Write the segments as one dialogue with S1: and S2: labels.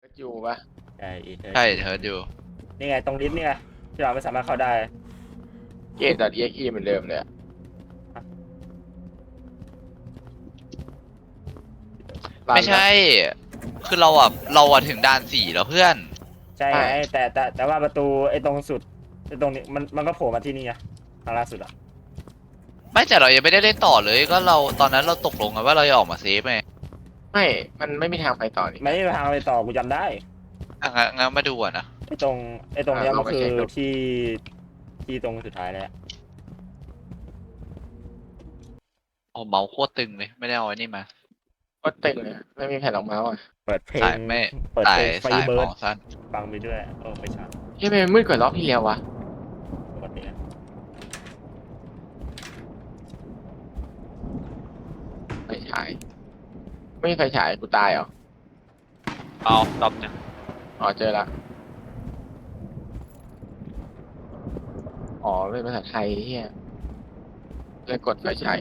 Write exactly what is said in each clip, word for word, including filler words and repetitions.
S1: อยู่ปะ
S2: ใช่อีเธอ
S3: ใช่เธออยู่
S2: นี่ไงตรงลิฟต์นี่ไงที่เราไม่สามารถเข้าได้
S1: เกตดอทเอ็กอีเหมือนเดิมเลยอะรันนะ
S3: ไม่ใช่คือเราอ่ะเราอ่ะถึงด่านสี่แล้วเพื่อน
S2: ใช่ไงแต่แต่แต่ว่าประตูไอ้ตรงสุดไอ้ตรงนี้มันมันก็โผล่มาที่นี่ไงทางล่าสุดอ่ะ
S3: ไม่แต่เรายังไม่ได้เล่นต่อเลยก็เราตอนนั้นเราตกลงกันว่าเราจะออกมาเซฟไง
S1: ไม่มันไม่มีทางไปต่อนี่
S2: ไม่มีทางไปต่อกูจำได้
S3: อ่ะงั้นงั้นมาดูอ่ะนะ
S2: ไอ้ตรงไอ้ตรงเนี้ย
S1: อ่ะ
S2: มัน
S1: ลองไป
S2: คือ
S1: เช็คดู
S2: ที่ที่ตรงสุดท้ายแล้ว
S3: โอ้เมาส์โคตรตึงเลยไม่ได้เอาไอ้นี่มา
S1: ก็ตึงเลยอะไม่มีแผ่นรองเมาส์อ่ะ
S2: เปิดเพล
S3: สาง ยไม่
S2: เปิด
S3: สา
S2: เพ
S3: ย
S2: ลงไฟ
S3: สาย
S2: เบิ
S3: หม
S2: ร์ด
S3: อสั้น
S2: ฟังไปด้วยเออไม่ใช่
S1: เฮ้ยทำไมมันมืดกว่ารอบที่แล้ววะ
S2: ปกตินะ
S1: ไฟฉายไม่มีไฟฉายกูตายเหรอ
S4: เอาดอบเนี่ย
S1: อ๋อเจอละอ๋อเป็นภาษาไทยเฮียเลยกดไฟฉาย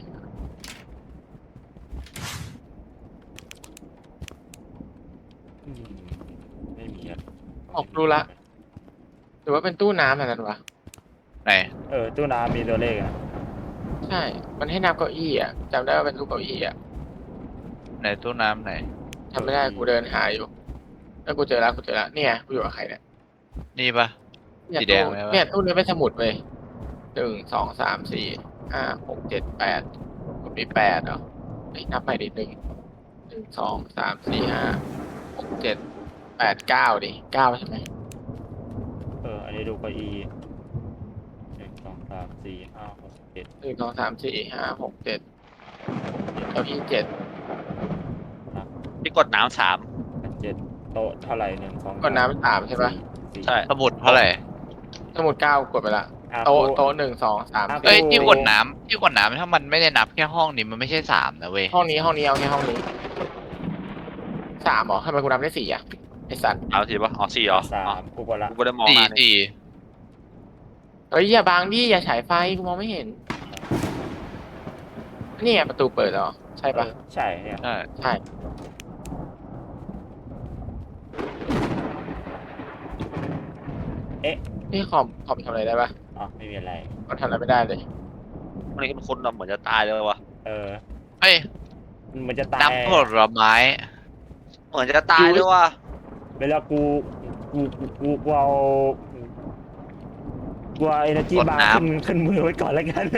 S2: อืมไม่มีอะ
S1: ออกรู้ละหรือว่าเป็นตู้น้ำอะไรนั่นวะ
S3: ไหน
S2: เออตู้น้ำมีตัวเลขอะ
S1: ใช่ มันให้นับเก้าอี้อ่ะจำได้ว่าเป็นตู้เก้าอี้อ่ะ
S3: ไหนตู้น้ำไหน
S1: จำไม่ได้กูเดินหาอยู่แล้วกูเจอแล้วกูเจอแล้วเนี่ยกูอยู่กับใครเนี่ย
S3: นี่ปะ
S1: เนี่ย
S3: สีแดง
S1: ตู้
S3: ไหมวะ
S1: เนี่ยตู้นี้เป็นสมุดเว้ยหนึ่งสองสามสี่ห้าหกเจ็ดแปดกูมีแปดเหรอไอ้ยนับใหม่ดิหนึ่งหนึ่งสองสามสี่ห้าหกเจ็ดแปดเก้าดิเก้าใช่ไหม
S2: เอออันนี้ดูเก้าอี้หนึ่งสองสามสี่ห้าหกเจ็ด
S1: หนึ่งสองสามสี่ห้าหกเจ็ดเก้าอี้เจ็ด
S4: ที่กดน้ำสาม
S2: แปดเจ็ดโต๊ะเท่าไหร่หนึ่งสอง
S1: กดน้ำสามใช่ปะ
S2: สี่
S4: ใช่
S3: สมุดเท่าไหร่
S1: สมุดเก้ากดไปละ
S2: อ่ะ
S1: โต๊ะ
S2: กู
S1: โต๊ะหนึ่งสองสาม
S2: อ่ะ
S3: เอ้ย
S1: สี่
S3: ที่กดน้ำที่กดน้ำถ้ามันไม่ได้นับแค่ห้องนี้มันไม่ใช่สามนะเว้ย
S1: ห้องนี้ห้องนี้เอาแค่ห้องนี้สามเหรอทำไมกูนับได้สี่อ่ะไอสัตว์
S4: เอาทีปะอ๋อสี่เหรอ
S2: สา
S4: อ๋อ
S2: มกูกดละ
S4: กูก็ได้มอง
S3: สี่
S4: มานี่
S3: สี่
S1: เฮ้ยอย่าบังดิอย่าฉายไฟกูมองไม่เห็นนี่ไงประตูเปิดแล้วเหรอใช่ปะ
S2: เออใช่เนี่ย
S3: ใช่
S1: ใช่นี่คอมคอมทำอะไรได้ปะ
S2: อ๋อไม่มีอะไร
S1: มันทำอะไรไม่ได้เลย
S4: วันนี้มันคนเหมือนจะตายเลยวะ
S2: เออ
S3: เฮ้ย
S2: มันเหมือนจะตาย
S3: น้ำผลไม้
S4: เหมือนจะตายด้วยวะ
S2: เวลากูกูกูกูกูเอากูเอาเอเนจี
S3: กด
S2: บาร์
S3: น้ำ
S2: ขึ้นขึ้นมือไว้ก่อนแล้วกัน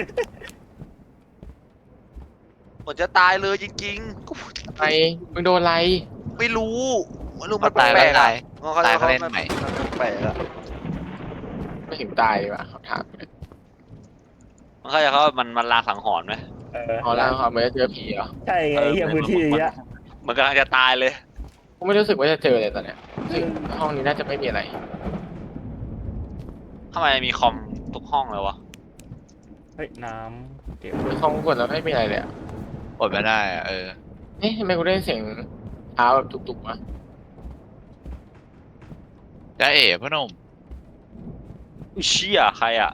S4: เหมือนจะตายเลยจริงๆกู
S1: ไอมึงโดนอะไร
S4: ไม่รู้ไม่รู้
S3: มั
S4: มัน น
S3: ตาย
S4: แป
S3: แล้
S4: ล
S3: ว
S4: กๆ
S3: ตาย
S4: อะ
S3: ตายเขาเล่นใหม่
S4: แปลกอะ
S1: ไม่ถึงตายดีกว่าเขาถาม
S4: มันเข้าใจเขามันมันลางสังหรณ์ไหม
S2: เออ
S1: อ๋อแล้วเขาไม่ได้เจอผีเหรอ
S2: ใช่ไงไอ้เฮียพื้นที่อย่างเงี้ย
S4: มันกำลังจะตายเลย
S1: กูไม่รู้สึกว่าจะเจอเลยตอนเนี้ยซึ่งห้องนี้น่าจะไม่มีอะไร
S4: ทำไมมีคอมทุกห้องเลยวะ
S2: เฮ้ยน้ำเก็บ
S1: ในห้องกดแล้วไม่มีอะไรเลยอะ
S3: กดไม่ได้อะเออ
S1: เอ๊ะทำไมกูได้เสียงเท้าแบบตุกๆวะ
S3: จ้าเอ๋พ่อหนุ่ม
S4: อุ้ยเชี่ยใครอะ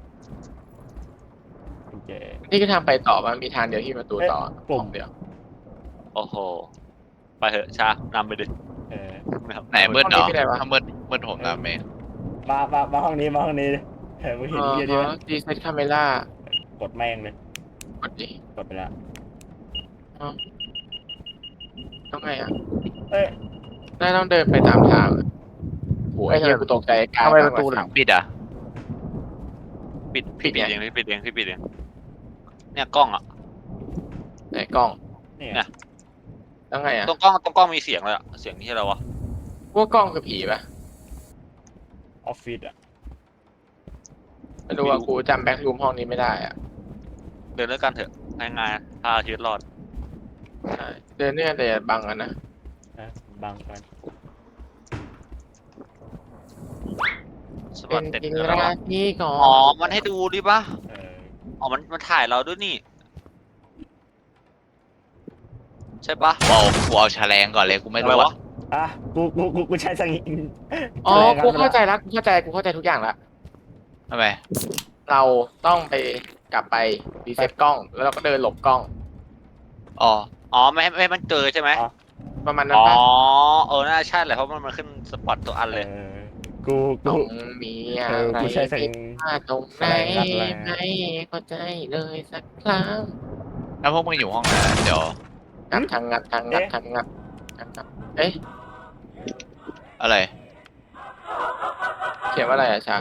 S2: กุญแจ
S1: นี่คือทางไปต่อมันมีทางเดียวที่ประตูต่อ
S2: เอ๊ะปุ่ม
S1: เดียว
S4: โอ้โหไปเถอะชานำไปดิ
S2: เออ
S3: ไหนมืดเหรอ
S1: ห้องนี้เป็นไรวะ
S3: ถ้ามืดมืดผมน้ำเอง
S2: มามามาห้องนี้มาห้องนี้เออมึงเห็น
S1: อ๋อ
S2: เฮียดีไหม
S1: ดีเซตคาเมล่าก
S2: ดแม่งเลย
S1: กดดิ
S2: กดไปแล้ว
S1: ต้องไงอ่ะ
S2: เอ้ย
S1: น่าต้องเดินไปตามทางอะโอ้ยไอ้เหี้ยกูตกใจกลาง
S3: ทำไมประตู
S1: ทาง
S3: หลังปิดอ่ะ
S4: ปิด
S1: ปิ
S4: ปิ
S1: ด
S4: ด
S1: ไง
S4: เองพี่ปิดเองพี่ปิดเองเนี่ยกล้องอะ
S1: ไหนกล้อง
S2: เนี่ย
S4: เนี่ย
S1: ต้องไงอ่ะ
S4: ตรงกล้องตรงกล้องมีเสียงเลยอะเสียงที่อะไรวะ
S1: พวกกล้องคือผีปะ
S2: ออฟฟิศอ่ะ
S1: ไม่รู้ว่ากูจำแบ็ครูมห้องนี้ไม่ได้อ่ะ
S4: เดินด้วยกันเถอะง่ายๆพาชีวิตรอด
S1: ใช่เดินเนี่ยแต่อย่าบังกันนะ
S2: นะบังกัน
S4: ส
S1: เป็
S4: วัส
S1: น
S4: ดี
S1: จริง
S4: แล้ว
S1: ราที่ก่อน
S4: อ๋อมันให้ดูดิปะ
S2: เออ
S4: อ๋อมันมันถ่ายเราด้วยนี่ใช่ปะ
S3: กูเอากูเอาแฉลงก่อนเลยกูไม่
S4: อะไร
S3: รู้
S4: วะ
S3: อะ
S2: อ่ะกูกูกูกูใช้สังเกต
S1: อ๋อกูเข้าใจแล้วกูเข้าใจกูเข้าใจทุกอย่างละ
S3: ทำไม
S1: เราต้องไปกลับไปรีเซ็ตกล้อง แล้วเราก็เดินหลบกล้อง
S3: อ๋อ
S4: อ๋อไม่ให้ไม่ให้มันเจอใช่ไหม
S1: ประมาณนั้น
S4: อ๋อ
S1: ปะ
S4: เออน่าใช่แหละเพราะมันมันขึ้นสปอตตัวอัน
S2: เอ
S4: เลย
S2: อกู
S1: ตร
S2: กู
S1: งมีอะ
S2: เออ
S1: ไร
S2: กูใช้ส
S1: ผิ
S2: ลิ
S1: ด
S2: ง
S1: พลาดตรง
S2: ส
S1: ไหน
S2: ไลด์งัดแรง
S1: ไม่เข้าใจเลยสักครั้ง
S3: แล้วพวกมึงอยู่ห้องไหนเดี๋ยว
S1: งัดทางงัดทางงัดทางงัดทางงัดเอ๊ะ
S3: อะไร
S1: เขียนว่าอะไรอะชา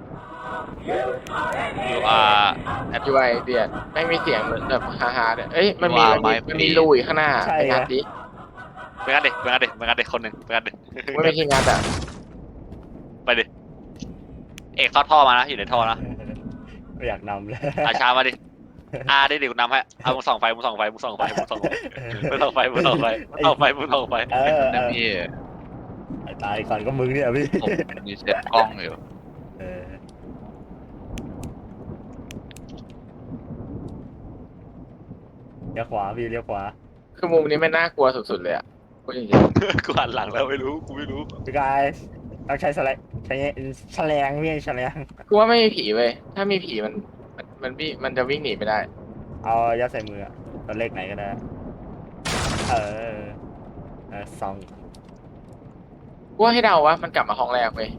S4: you are
S1: ยูไอเดียดไม่มีเสียงเหมือนแบบฮาฮาเลยเอ้ยมันมี
S3: You are
S1: มันมี
S3: my
S1: มันมี
S3: friend
S1: รูอยู่ข้างหน้า
S2: ใช่
S1: ไปงัด
S2: ไง
S1: ดิ
S4: ไปงัดดิไปงัดดิไปงัดดิคนหนึ่งไปงัดดิ
S1: ไม่มีที่งัดอ่ะ
S4: ไปดิเอกเข้าท่อมานะอยู่ในท่อนะ
S2: ไม่อยากนำเลย
S4: อาชามาดิอาดิดิกูนำให้เอามึงส่องไฟมึงส่องไฟมึงส่องไฟมึงส่องไฟมึงส่องไฟมึงส่องไฟมึงส่องไฟมึงส่องไฟ
S2: เออเอ
S3: นะ
S2: อ
S3: พี่
S2: ไอ้ตายก่อนก็มึงเนี่ยพี่
S3: ผมรีเซ็ตกล้องอยู่
S2: เออเลี้ยวขวาพี่เลี้ยวขวา
S1: คือมุมนี้ไม่น่ากลัวสุดๆเลยอ่ะพูดจริง
S4: กูหันหลังแล้วไม่รู้กูไม่รู้
S2: พี่กายต้องใช้สไลด์ใช้แฉลงพี่แฉลง
S1: ๆกูว่าไม่มีผีเว้ยถ้ามีผีมันมันมันวิ่งมันจะวิ่งหนีไม่ได้
S2: เอายัดใส่มืออะตัวเลขไหนก็ได้ เออเออสอง
S1: กูว่าให้เดาว่ามันกลับมาห้องแรกเว้ย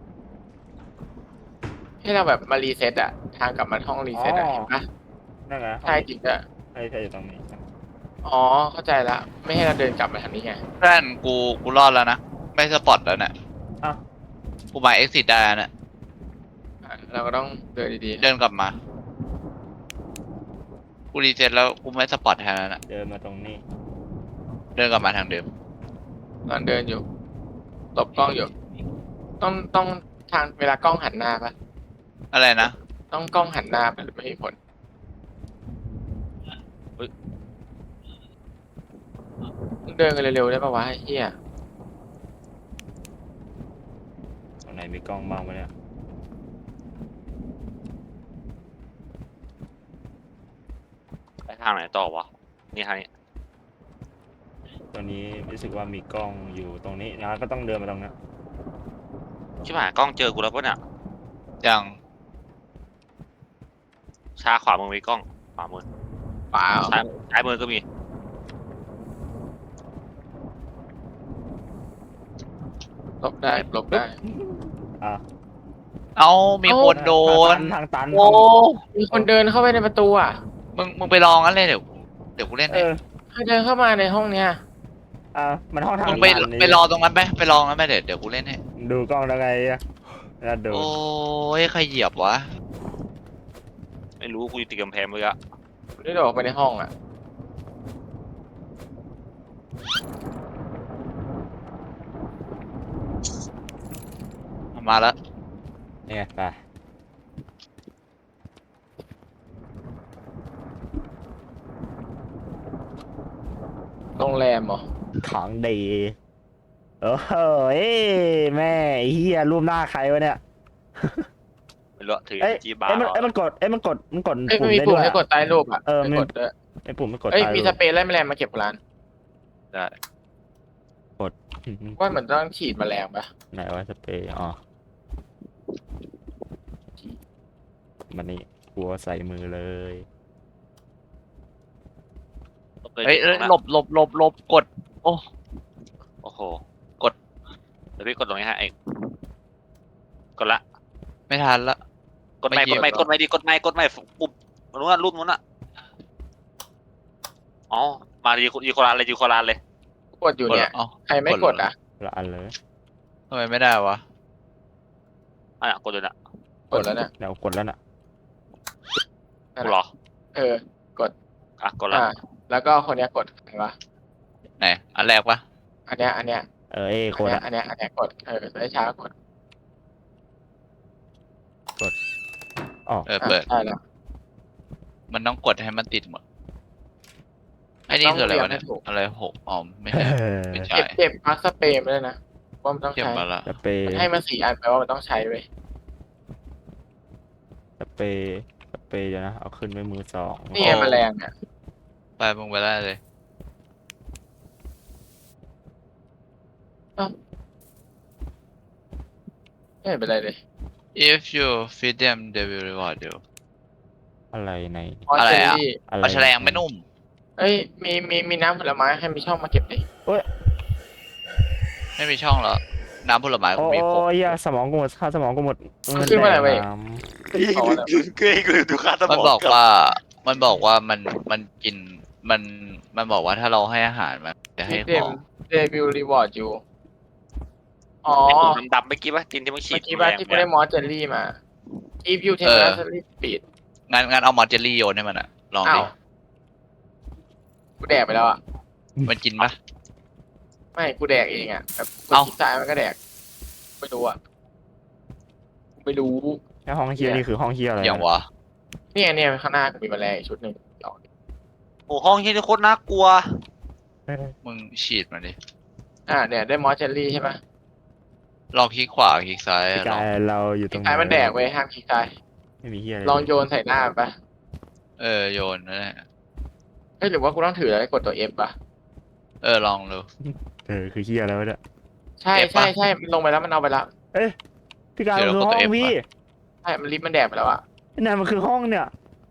S1: ให้เราแบบมารีเซ็ตอะทางกลับมาห้องรีเซ็ตอะเห็นปะ
S2: นั่นไง
S1: ใช่จริงอะ
S2: ใช่ใช่อยู่ตรงนี้
S1: อ๋อเข้าใจละไม่ให้เราเดินกลับมาทางนี้ไง
S3: เพื่อนกูกูรอดแล้วนะ ไม่สปอตแล้วเนี่ย
S2: อ้าว
S3: กูมาเอ็กซิสได้แล้วเนี่ย
S1: อ่ะเราก็ต้องเดินดี
S3: เดินกลับมา กูรีเซ็ตแล้วกูไม่สปอตแทนแล้วนะ
S2: เดินมาตรงนี้
S3: เดินกลับมาทางเดิม
S1: ๆตอนเดินอยู่หลบกล้องอยู่ ต้องต้องทางเวลากล้องหันหน้าปะ
S3: อะไรนะ
S1: ต้องกล้องหันหน้าปะหรือไม่มีผลมึงเดินกันเร็วๆได้ปะวะไอ้เหี้ย
S2: ตรงไหนมีกล้องบ้างไหมเนี่ย
S4: ไปทางไหนต่อวะนี่ทางนี้
S2: ตัวนี้รู้สึกว่ามีกล้องอยู่ตรงนี้นะก็ต้องเดินมาตรงนั้น
S4: ชิบหายกล้องเจอกูแล้วปะเนี่ย
S3: ยัง
S4: ชาขวามือมีกล้องขวามือ
S1: เปล่า
S4: ซ้ายซ้ายมือก็มี
S1: หลบได้หลบได้
S2: อ่ะ
S3: เอามีคนโดน
S2: ทางตัน
S1: โอ้มีคนเดินเข้าไปในประตูอ่ะ
S3: มึงมึงไปลองกันเลยเดี๋ยวเดี๋ยวกูเล่น
S2: เอ
S3: ให้
S2: อ
S1: ใครเดินเข้ามาในห้องเนี้ย
S2: อ่ะมันห้องทาง
S3: มึงไป
S2: ตันนี่
S3: ไปรอตรงนั้นไปไปลองกันไปเดี๋ยวเดี๋ยวกูเล่นให้
S2: ดูกล้องแล้วไงอะแล้วดู
S3: โอ้ยใครเหยียบวะ
S4: ไม่รู้กูอยู่ติดกำแพงเลยอะ
S1: ได้เดินออกไปในห้องอ่ะ
S3: มาแล้ว
S2: เนี่ยไป
S1: โรงแรมเหรอ
S2: ของดีโอ้โหเอ้ยแม่ไอ้เฮียรูปหน้าใครวะเนี่ย
S4: ไม่รู้ถือ
S2: เอ้ย
S4: จีบา
S2: เอ้ย
S4: ร์
S2: มันเอ้ยมันกดเอ้ยมันกดมันกด
S1: เอ้ย
S2: ปุ่
S1: ไม่
S2: ม
S1: มี
S2: ได้
S1: ปุ่
S2: ด้
S1: ม
S2: วย
S1: ให้กดใต้รูปอ่ะ
S2: เออ
S1: ไม่
S2: มี
S1: กดด้วย
S2: ไอ้ปุ่มไม่กด
S1: เอ้ย
S2: ตาย
S1: มี
S2: รู
S1: ส
S2: ป
S1: เปรย์ไล่แมลงมาเก็บร้าน
S4: ได้
S2: อืม
S1: ว่าเหมือนต้องฉีดแมลงปะ
S2: ไหนวะสเปรย์อ๋อมันนี่กลัวใส่มือเลย
S3: เฮ้ยเอ้ยหลบหลบหลบหลบกด โอ้
S4: โอ้โหกดเดี๋ยวพี่กดตรงนี้ฮะเอกกดละ
S3: ไม่ทันละ
S4: กดไม่
S3: ไม่
S4: กดไม่
S3: เกี่ยว
S4: กดไม่ดีกดไม่กดไม่ปุ่มนู้นนะรูปนู้นน่ะอ๋อมาดีดีโครานเลยดีโครานเลย
S1: กดอยู่เนี่ย
S3: เอ้า
S1: ใครไม่กดอ่ะ
S2: ละอันเลย
S3: ทำไมไม่ได้วะ
S4: อ่ะกดเลยนะ
S1: กดแล้วเนี่ย
S2: เดี๋ยวกดแล้วน่ะ
S4: กูเหรอ
S1: เออ
S4: อ่ะกดละ
S1: อ่า แล้วก็คนเนี้ยกดเห็นปะ
S3: ไหน อันแรกปะ
S1: อันเนี้ย อันเนี้ย
S2: เออเอ้ย
S1: อั
S2: ก
S1: น
S2: ด
S1: เนี้ย
S2: อะ
S1: อันเนี้ย อันเนี้ยกด เออได้ช้ากด
S2: อ๋อ
S3: เออเปิด
S1: ใช่แล้ว
S3: มันต้องกดให้มันติดหมดไอ้นี่คืออะไรวะเนี่ย อะไรหกอ๋อไม่ใช่ ไม่ใช่
S1: เก็บเก็บพักสเปรย์มาด้วยนะว่ามันต้อง
S3: เก็บ
S1: ใช้
S3: มาละ
S2: สเปรย์
S1: มันให้มาสี่อันแปลว่ามันต้องใช้เว้ย
S2: สเปรย์สเปรย์เดี๋ยวนะเอาขึ้นไว้มือสอง
S1: นี่ไงแมลงเนี่ย
S3: ไปมึงไปได้เลย
S1: ไม่เห็นเป็นไรเลย
S3: if you feed them they will reward you
S2: อะไรใน
S3: อะไรอะ
S1: เจลลี่
S2: อะไร
S3: ปลาแฉลงไม่นุ่ม
S1: เอ้ย มี มี มีน้ำผลไม้ให้มีช่องมาเก็บดิ
S3: ไม่มีช่องแล้วน้ำผลไม้
S2: โอ้
S3: กูมีครบ
S2: ยเหี้ยสมองกูหมดค่าสมองกูหมด
S1: มันขึ้นมาอะไรเว้ย
S2: น้
S4: เฮ้ยเฮ้ยกูดูค่าสม
S3: มัน
S4: อง
S3: บอกว่ามันบอกว่ามันมันกินมันมันบอกว่าถ้าเราให้อาหารมันจะให้
S1: เด
S3: ข
S1: ม
S3: อง
S1: เดบิวรีวอร์ดอยู่อ๋อ
S4: ไอ้ตัวดำๆเมื่อกี้ป่ะจินที่มึงฉี
S1: เมื่
S4: ด
S1: อกี้บ้านที่กูได้มอสเจอรี่มาอีฟยูเทมเพอร์รี่ปีด
S3: งั้นงั้นเอามอสเจลลี่โยนให้มันอะลอง
S1: อ้า
S3: ดิ
S1: วกูแดกไปแล้วอ่ะ
S3: มันกินปะ
S1: ไม่กูแดกเองอ่ะแบบกู
S3: เอ้า
S1: คิดซ้ายมันก็แดกไม่รู้อ่ะกูไม่รู้
S2: ำแล้วห้องเฮียนี่คือห้องเฮียอะไร
S3: อย่างวะ
S1: เนี่ยเนี่ยข้างหน้ากูมีแมลงอีกชุดหนึ่งเอา
S4: โอ้ห้องที่นี่โคตรน่ากลัว
S2: เออ
S3: มึงฉีดมันดิ
S1: อ่าเนี่ยได้มอสเจอรี่ใช่ไหม
S3: ลองคลิกขวาคลิกซ้าย
S2: พี่
S3: ล
S2: กา
S3: อง
S2: ยเราอยู่ตรงไหน
S1: ซ้ายมันแดกเว้ยห้ามขี้กาย
S2: ไม่มีเฮียอะไร
S1: ลองโยนใส่หน้ามันปะ
S3: เออโยนนั่นแหละ
S1: เฮ้ยหรือว่ากูต้องถือแล้วกดตัว F ปะ
S3: เออลองดู
S2: เออคือเฮียอะไรวะเนี่ย
S1: ใช่
S3: F
S1: ใช่
S3: ปะ
S1: ใช่มันลงไปแล้วมันเอาไปแล้ว
S2: เอ้ยพี่กาย
S3: เดี๋
S2: มั
S3: ยวน
S2: คือ
S3: เรากด
S2: ห้อ
S3: ตัว
S2: ง
S3: F
S2: พี่
S1: ใช่มันลิฟต์มันแดกไปแล้วอ่ะ
S2: นั่นมันคือห้องเนี่ย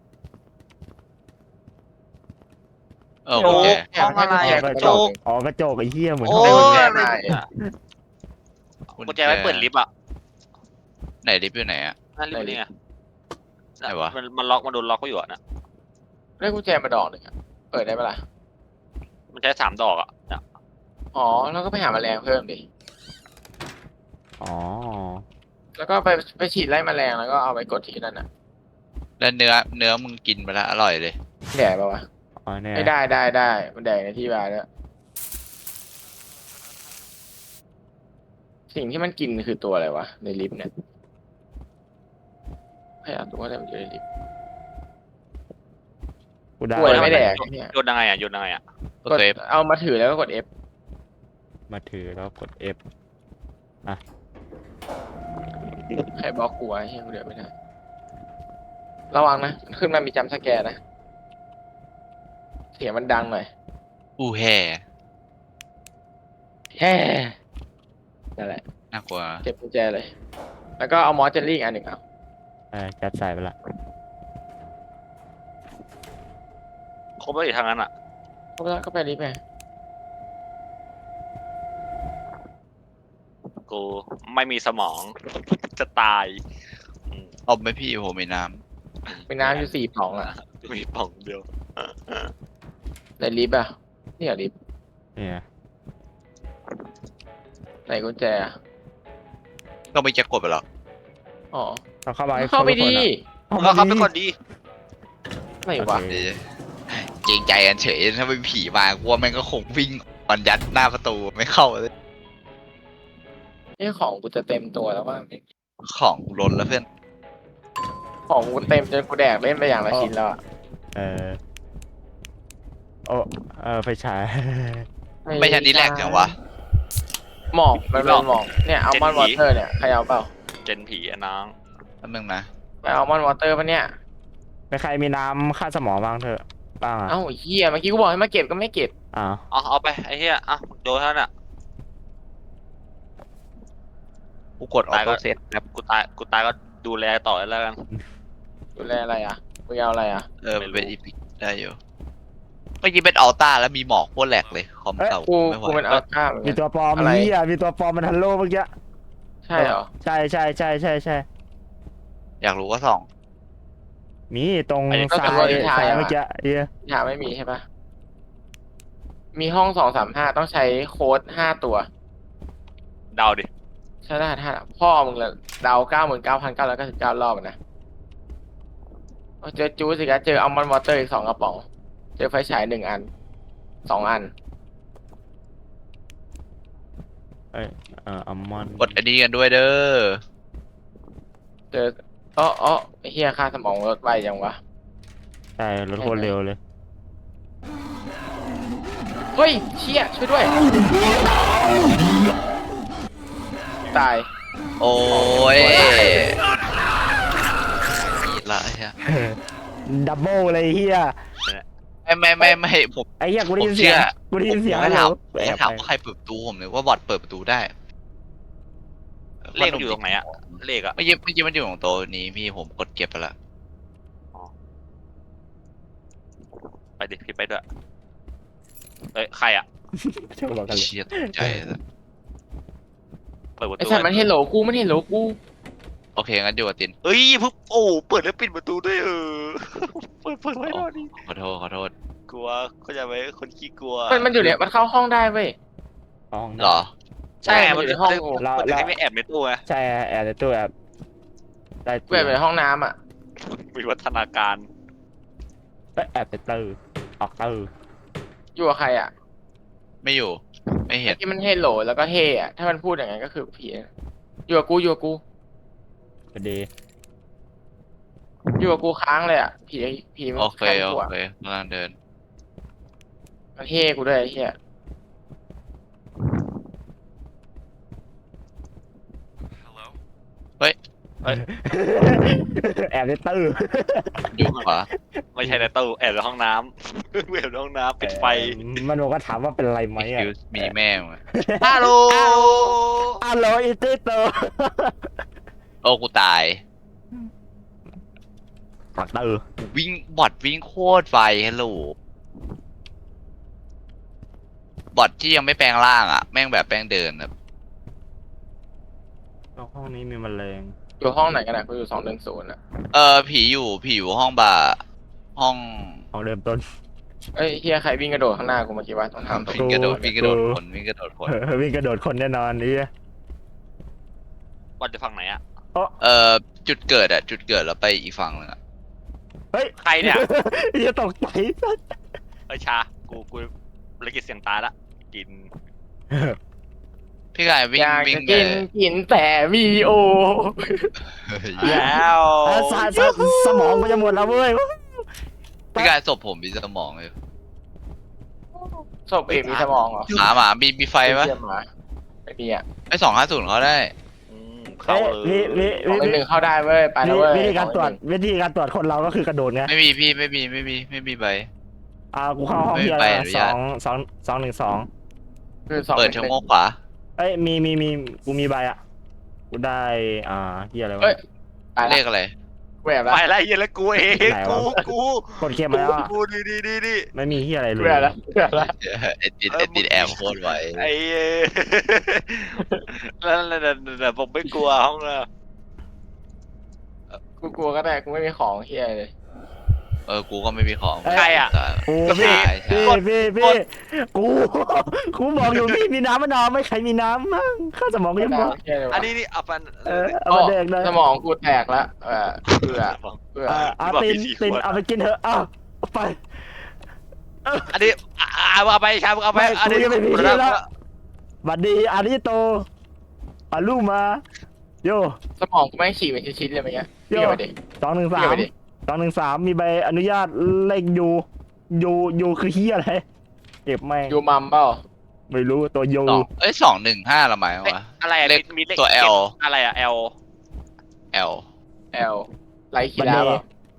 S3: เออโอเค
S4: ห้องอะไร
S1: แจ
S4: อะ
S1: ก
S4: ก
S1: ก
S4: ระ
S1: ระ
S4: จ
S1: จ
S4: ก
S1: ก
S2: อ๋อกระจกไอ้เฮียเหมือน
S4: โอ้
S2: ห้อง
S1: ให้
S4: ย
S1: กุญแจ
S4: อะไรเนี่ยกุญแจไว้เปิดลิฟต์อ่ะ
S3: ไหนลิฟต์อยู่ไหนอะ
S4: นั่นลิฟต์นี่ไง
S3: ไหนวะ
S4: มันมันล็อกมันโดนล็อกไว้อยู่อะนะ
S1: ได้กุญแจมาดอกหนึ่งอะเปิดได้ปะล่ะ
S4: มันใช้สามดอกอ่ะเนี่ย
S1: อ๋อแล้วก็ไปหาแมลงเพิ่มดิ
S2: อ๋อ
S1: แล้วก็ไปไปฉีดไล่แมลงแล้วก็เอาไปกดที่นั่นน่ะ
S3: แล้วเนื้อเนื้อมึงกินไปแล้วอร่อยเลย
S1: แดกปะวะ
S2: อ๋อเนี่ย
S1: ไม่ได้ได้ได้มันแดกในที่บาร์ด้วยสิ่งที่มันกินคือตัวอะไรวะในลิฟต์เนี่ยพยายามดูว่าอะไรมันอยู่ในลิฟต์
S2: กูได้
S1: ป่วยไม่แดกเนี่ย
S4: โยนยังไงอ่ะโยนยังไงอ่ะ
S3: กด
S1: กด
S3: ตัว F
S1: เอามาถือแล้วก็กด F
S2: มาถือแล้วกด F
S1: ใครบล็อกกูไว้เฮียกูเดือดไม่ได้ระวังนะขึ้นมามีจัมป์สแกร์นะเสียงมันดังหน่อย
S3: อู้แห่
S1: แฮ่นั่นแหละ
S3: น่ากลัว
S1: เก็บกุญแจเลย แล้วก็เอามอสเจลลี่อีกอันหนึ่งเอา
S2: เออจัดใส่ไปละ
S4: ครบแล้วอีกทางนั้นอ่ะ
S1: ก็ไปก็ไปลิฟต์ไง
S4: กูไม่มีสมอง จะตายอืม
S3: เอาไหมพี่ผมมีน้
S1: มีน้ำอยู่สี่ปล่องอ่ะ
S4: มีป่องเดียว
S1: ในลิฟต์อ่ะนี่เหรอลิฟต์
S2: เนี่ย
S1: ไหนกุญแจอะ
S3: ำก็ไม่จะกดไปหรอก
S1: อ๋อ
S2: ต้องเข้าไป
S1: เข้าไปดี
S4: มึงก็เข้าไปก่อนดี
S1: ไหนวะ
S2: โอเค
S3: เกรงใจกันเฉยถ้าเป็นผีมากลัวแม่งก็คงวิ่งปันยัดหน้าประตูไม่เข้าเลย
S1: นี่ของกูจะเต็มตัวแล้วว่า
S3: ของล้นแล้วเพื่อน
S1: ของกูเต็มจนกูแดกเล่นไปอย่างละชิ้นแล้วอะ
S2: เออโอ้เออไฟฉาย
S3: ไม่ใช่นี่แรกจังวะ
S1: หมอกมันเป็นหมอกเนี่ยอัลมอนด์วอเตอร์เนี่ยใครเอาเปล่า
S4: เจนผีอะน้อง
S3: แป๊บนึงนะ
S1: ไปอัลมอนด์วอเตอร์ปะเนี่ย
S2: ไม่ใครมีน้ำค่าสมองบ้างเถอะบ้างอ่ะ
S1: เอ้าเฮียเมื่อกี้กูบอกให้มาเก็บก็ไม่เก็บ
S2: อ้าว
S4: เอาเอาไปไอ้เหี้ยอ่ะโดนเท่านั้นอ่ะ
S3: กูกดออโต้เซตครับ
S4: กูตายกูตายก็ดูแลต่อแล้วกัน
S1: ดูแลอะไรอ่ะมึงเอาอะไรอ่ะ
S3: เออมันเป็นอีพิกได้อยู่เมื่อกี้เป็นอัลต้าแล้วมีหมอกโคตรแหลกเลยคอมเก่า
S1: กู
S3: ไม่ไหว
S1: กูเป็นอัลต้าเหมือน
S2: มี
S1: กัน
S2: ตัวปลอม
S1: อะไร
S2: เฮียมีตัวปลอมมันฮัลโหลเมื่อกี้
S1: ใช่เหรอ
S2: ใช่ใช่ใช่ใช่ใช่
S3: อยากรู้ว่าส่อง
S2: มีตรง
S1: อันนี้ก็
S2: ซ้า
S1: เป็นว่าที่
S2: ย
S1: ทาย
S2: ซ้าย
S1: อะ
S2: เมื่อกี้เฮีย
S1: หาไม่มีใช่ปะมีห้องสองสามห้าต้องใช้โค้ดห้าตัว
S4: เดาดิ
S1: ใช่ได้ถ้าพ่อมึงเลยเดาเก้าหมื่นเก้าพันเก้าร้อยเก้าสิบเก้ารอบอะนะเอาเจอจูสิครับเจออัลมอนด์วอเตอร์อีกสองกระป๋อง เจอไฟฉายหนึ่งอันสองอัน
S2: เอ้ยเอ่ออัลมอนด์
S3: กดอันนี้กันด้วยเด้อ
S1: เจออ๋ออ๋อไอ้เฮียค่าสมองลดไวจังวะ
S2: ใช่รถโคตรเร็วเลย
S1: เฮ้ยเชี่ยช่วยด้วย ตาย
S3: โอ้ยละไอ้เหี้ย
S2: ดับเบิลเลยเฮีย
S3: ไม่ไม่ไม่ไม่ผม
S2: ไอ้เฮียกูได้
S3: ผม
S2: ยินเสีย
S3: เชื่
S2: ง
S3: อ
S2: กูได้ยินเสียง
S3: ไม่ถาม
S2: แอบ
S3: ไม่ถาม
S2: ไป
S3: ว่าใครเปิดประตูผมเลยว่าบอทเปิดประตูได้
S4: เลขมันอยู่ตรงไหนอ่ะเลขอ่ะ
S3: ไม่ยิ้มไม่ยิ้มมันอยู่ของโต๊ะนี้พี่ผมกดเก็บไปละ
S4: ไปดิพี่ไปด้วยเอ้ยใครอ่ะ
S2: เชื่อบอกกันเลย
S3: เชียตกใจเลย
S4: เปิดประ
S1: ไอ้
S4: ตู
S1: สัตว์มันเห็นโหลกูมันเห็นโหลกู
S3: โอเคงั้นอยู่กับติน
S4: เฮ้ยปุ๊บโอ้เปิดแล้วปิดประตูด้วยเออเปิดเปิดไว้หน่อยดิ
S3: ขอโทษขอโทษ
S4: กลัวเขาใจะไว้คนขี้กลัว
S1: มันมันอยู่เนี่ยมันเข้าห้องได้เว้ย
S2: ห้อง
S3: เหรอ
S4: ใช่ไง
S1: มั
S4: มัน น
S1: อยู่
S4: จะ
S1: ในห้อง
S4: มัน
S1: กู
S4: จะมันจะให้ไม่แอบในตู้ไง
S2: ใช่แอบในตู้แอบได้
S1: กูแอบในห้องน้ำอ่ะ
S4: มีวัฒนาการ
S2: ไปแอบในตู้ออกตู้
S1: อยู่กับใครอ่ะ
S3: ไม่อยู่ ไม่เห็น
S1: ที่มันเฮโหลแล้วก็เฮอ่ะถ้ามันพูดอย่างนั้นก็คือผีอยู่กับกูอยู่กับกู
S2: พอดี
S1: อยู่กับกูค้างเลยอ่ะผีผีมัน
S3: โอเค
S1: ค้าง
S3: โอ
S1: กูอ่ะ
S3: เคกำลังเดิน
S1: มันเฮกูด้วยไอ้เหี้ย
S2: แอบในตู้
S3: อยู่ขวา
S4: ไม่ใช่ในตู้แอบในห้องน้ำ แอบในห้องน้ำปิดไฟ
S2: มันบอกว่าถามว่าเป็นไรไหมอ่ะ
S3: คิวมีแม่งอะ
S4: ฮัลโหล
S2: ฮัลโหลอีติโต
S3: โอ้กูตาย
S2: ปักตู้
S3: วิ่งบอทวิ่งโคตรไฟฮัลโหลบอทที่ยังไม่แปลงร่างอ่ะ แม่งแบบแปลงเดินแบบ
S2: ห้องนี้มีแมลง
S1: อยู่ห้องไหนกันอ่ะกูอยู่สองหนึ่งศูนย์อ่ะ
S3: เออผีอยู่ผีอยู่ห้องบาร์ห้อง
S2: ห้องเริ่มต้น
S1: เอ้ยเฮียใครวิ่งกระโดดข้างหน้ากูเมื่อกี้วะต้องทำตัว
S3: วิ่งกระโดด
S2: กู
S3: วิ่งกระโดดคนวิ่งกระโดดคน
S2: วิ่งกระโดดคนแน่นอนนี่
S4: บอลจะฝั่งไหนอ่ะ
S3: เออจุดเกิดอะจุดเกิดแล้วไปอีกฝั่งหนึงอะ
S2: เฮ้ย
S4: ใครเนี่ย
S2: อย่าตกใจ
S4: เอ้ยชา กูกูละกิจเสียงตายละ กิน
S3: พี่กายวิ่
S1: อง ยาก
S3: วิ่ง
S1: จะกิน
S3: เลย
S1: กินแต่มีโอ
S4: แล้ว
S2: อ่ะสาสาสมองก็จะหมดแล้วเว้ย
S3: พี่กายศพผมมีสมองอยู่
S1: ศพเอกมีสมองเหรอ
S3: หมาหมามีมีไฟปะ
S1: เยี่ยมหมาไม่มีอ่ะ
S3: ไอสองห้าศูนย์เขาได้
S4: อืมเข้าเลย
S2: วิวิ
S1: สองห
S2: วิ
S1: นึ่งหนึ่งเข้าได้เว้ยไปแล้วเว้ย
S2: วิธีการตรวจ
S1: สองหนึ่งหนึ่ง
S2: วิธีการตรวจคนเราก็คือกระโดดไง
S3: ไม่มีพี่ไม่มีไม่มีไม่มีใบ
S2: อ่ากูเข้าห้อง
S3: ไม่มี
S2: ที่อะ
S3: ใบ
S2: ไร
S3: อนุ
S2: ส
S3: ญา
S2: อ
S3: ต
S2: งสองสองหนึ่งสอง
S1: คือสอง
S3: เปิด
S1: ห
S3: ช่
S1: นึ่
S3: อง
S1: งห
S3: โม
S1: นึ่ง
S3: งขวา
S2: เอ้ยมีมีมีกูมีใบอ่ะกูได้อ่าที่อะไรวะ
S1: เอ้ยไป
S3: เล
S1: ละ
S3: ขอะไร
S1: กูแอบละ
S4: ไปแล้วไอ้เหี้ยแล้วกูเอง
S2: ไหน
S4: กู
S2: วะ
S4: กู
S2: กดเข็มมาแล้วอะ
S4: กูดีดีดีดี
S2: ไม่มีที่อะไรเล
S1: กู
S2: ย
S1: แอบละกูแอบละ
S3: ไอติดไอติดแอบโคตรไว
S4: ไอ้เอ้ยแล้วแล้วแล้วแล้วผมไม่กลัวห้องเลย
S1: กูกลัวก็ได้กูไม่มีของเฮียเลย
S3: เออกูก็ไม่มีของ
S4: ใครอ่ะ
S2: กู
S3: ใช่
S2: พี่
S3: ใช่
S2: พี่พี่พี่กูกูบอกอยู่พี่มีน้ำมะนาวไหม่ใครมีน้ำมั่งข้าสมองก็ยังบอก
S1: เฮียเลยวะ
S4: อันนี้นี่เอาปัน
S2: เออเอามาเด็กเลย
S1: สมองกูแตกละเออเบื่อเบื่อ
S2: เออเอาตินตินเอาไปกินเถอะเอาเอาไป
S4: อันนี้อ่าเอาไปชาเอาไป
S2: ไม่
S4: อัน
S2: กู
S4: นี้
S2: ยังไม่มีที่แล้วบัดดีอาริโตอาลูมาโย
S1: สมองกูไม่งฉีกเป็นชิ้นๆเลยเมื่อกี้
S2: โย่
S1: เดี๋ยวไปดิ
S2: สองหนึ่งสา
S1: เดี๋ยว
S2: ม
S1: ไปดิ
S2: สองหนึ่งสามมีใบอนุญาตเลขยูยูยูคือเฮียอะไรเก็บแม่ง
S1: ยูมัมเปล่า
S2: ไม่รู้ตัวยู
S3: สองเอ้ยสองหนึ่งห้าละไหมวะ
S4: อะไรอะ
S3: เลข
S4: มีเลข
S3: ตัว L
S4: อะไรอะ L
S3: L
S1: แอลไลคีดาเปล่า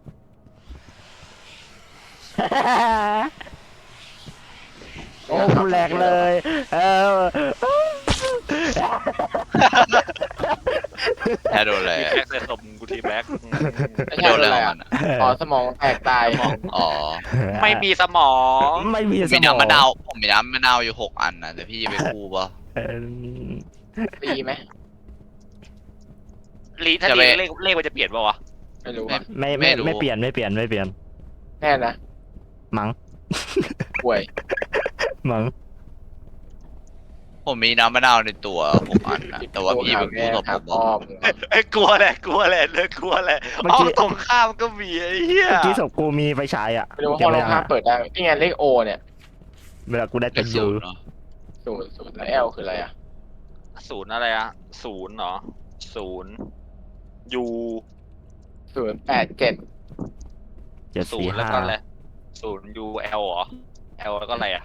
S2: โอ้กูแหลกเลยเออ
S3: แค่โดนอะไร
S4: มี
S3: อะ
S4: แบ็กใส่ศพกูทีแบ็ก
S1: ไม่ใช่
S3: โดน
S1: โด
S3: อะ
S1: น อะไร
S3: ไรของ
S1: อ่ะ
S3: มันอะ
S1: อ๋อสมองแตกตาย
S3: อ๋อ
S4: ไม่มีสมอง
S2: ไม่มีส
S3: มี
S2: มอง
S3: น้ำมะนาวผมมีน้ำมะนาวอยู่หกอันนะแต่พี่จะไปกู้ปะ
S2: เออ
S1: ตีไหม
S4: ลีถ้า
S3: จะ
S4: ลี
S3: ไป
S4: เลขเลขมันจะเปลี่ยนป่าวะ
S1: ไม่รู้
S3: ไม่
S1: อ่ะ
S2: ไม่
S3: ไม่
S2: ไม่
S3: รู้
S2: ไม่เปลี่ยนไม่เปลี่ยนไม่เปลี่ยน
S1: แน่นะ
S2: มั้ง
S1: ป่วย
S2: มั้ง
S3: ผมมีน้ำมะนาวในตัวหกอันนะแต่ว่าพี่ไปกู้ศพ
S1: ค
S3: ผ
S1: รับ
S3: ม
S1: อ้อม
S4: ไอ้ยกลัวแหละกลัวแหละเลยกลัวแหละห้องตรงข้ามก็มีไอ้เหี้ย
S2: เมื่อกี้ศพกูมีไฟฉายอ่ะ
S1: ไม่รู้ว่าห้องลงภาพเปิดได้นี่ไงเลขโอเนี่ย
S2: เวลากูได้
S3: เล
S2: ตัว
S3: ข
S2: ยู
S3: ศูนย์เนาะ
S1: ศูนย์ศูนย์แล้วแอลคืออะไรอ่ะ
S4: ศูนย์อะไรอะศูนย์เหรอศูนย์ยู
S1: ศูนย์แปดเจ็ด
S2: เจ็ด
S4: ศู
S2: สี่
S4: นย์แล้ว
S2: ห้า
S4: ก็อะไรศูนย์ยูเอลเหรอเอลแล้วก็อะไรอะ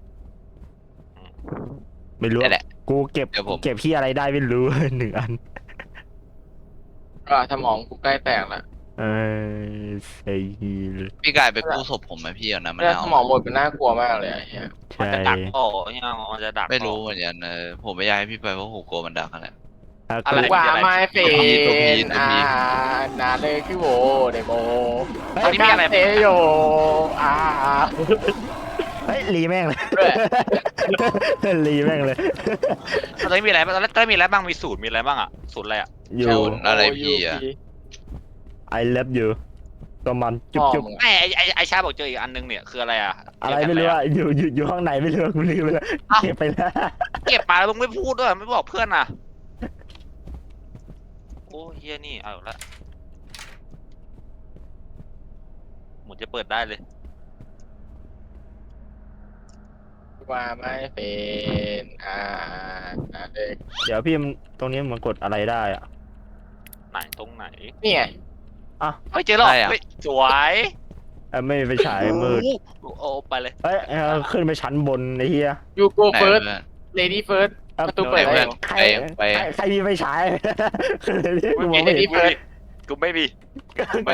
S2: ไม่รู้
S3: นี่แหละ
S2: กูเก็บ
S3: เดี๋ยวผม
S2: เก็บที่อะไรได้ไม่รู้ หนึ่งอัน
S1: ก็สมองกูใกล้แตกละ
S2: เออไอ้เหี้ย
S3: พี่กายไปกู้ศพผมไหมพี่เอาน้ำมะ
S1: แล้ว
S3: นาว
S1: สมองหมดเป็นน่ากลัวมากเลยไอ้เหี้ย
S4: มัน
S2: ใช่
S4: จะดักโอ้ยังมันจะดัก
S3: ไม่รู้เหมือนกันเออผมไม่อยากให้พี่ไปเพราะผมกลัวมันดักนั่นแหละ
S2: อ่ะ
S4: อะไร
S2: กู
S1: ว่าไม่เฟ
S3: ตัวพีตัวพีตัวพี
S1: อ่านาเลยคือโวเดโม
S4: ตอนนี้มีอะไร
S1: เตโยอ่า
S2: เฮ้ยรีแม่งเลย
S1: ด้วย
S2: รีแม่งเลย
S4: ตอนนี้มีอะไรบ้างตอนแรกตอนแรกมีอะไรบ้างมีสูตรมีอะไรบ้างอ่ะสูตรอะไรอ่ะ
S2: อยู่
S3: ศูนย์อะไรพี่อะ
S2: I love you ตัวมันจุ๊บ
S1: พ่อ
S2: จุ๊บ
S1: มึง
S4: ไอไอไอไอชาบอกเจออีกอันนึงเนี่ยคืออะไรอ่ะ
S2: อะไรไม่รู้อะอยู่อยู่อยู่ห้องไหนไม่รู้กูลืมไปแล้วเก็บไปแล้ว
S4: เก็บมาแล้วมึงไม่พูดด้วยไม่บอกเพื่อนอ่ะโอ้เฮียนี่เอาละหมุนจะเปิดได้เลย
S1: ว่าไม่เป็นอ่าอ่าเด็ก
S2: เดี๋ยวพี่มันตรงนี้มันกดอะไรได้อะ
S4: ไหนตรงไหน
S1: นี่ไง
S4: เฮ้ยเจอแล้วเฮ้ยสวย
S2: เออไม่ไปฉายมืด
S4: โอ้โอ้ไปเลย
S2: เอ้ยเออขึ้นไปชั้นบนไอ้เหี้ย
S1: ยูโก
S3: ไหน
S1: เฟิร์ส
S3: เพื่อน
S1: เลดี้เฟิร์ส
S2: เอ้า
S1: ประตูเปิด
S3: ไหน
S1: ได้
S3: เพื่อน
S2: ใคร
S3: ไปไป
S2: ใครใครมีไฟฉาย ขึ้นเลยดิกูมอง
S4: ไม่
S2: ไม่
S4: มี
S2: เห็น
S4: กูไม่มี
S3: ไป